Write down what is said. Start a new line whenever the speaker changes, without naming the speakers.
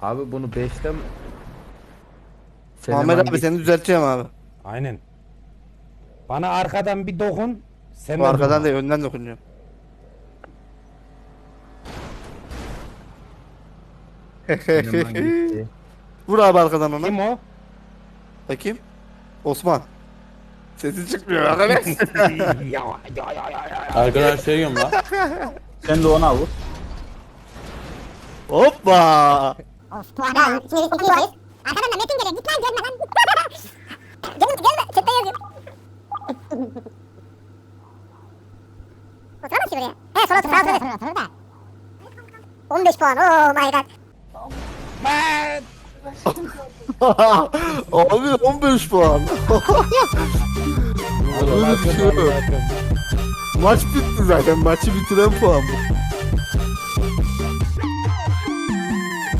Abi bunu 5'te
Muhammed abi seni düzelteceğim abi.
Aynen. Bana arkadan bir dokun. Sen
Bu
de
arkadan
durma.
değil önden dokunuyor.
Seleman gitti.
Vur abi arkadan ona.
Kim o?
Bakayım. Osman. Sesi çıkmıyor arkadaş.
Arkadan şey yiyorum lan.
Sen de ona vur.
Hoppa.
Of bu adam. Şimdi biz ikinciyiz. Arkadan da Metin geliyor. Git lan gelme lan. Gelme. Chatte yazıyor. Oturamaz ki buraya. He sola otur. Sağ 15 puan. Oh my god.
Abi 15 puan. Böyle bir şey yok. Maç bitti zaten. Maçı bitiren puan bu.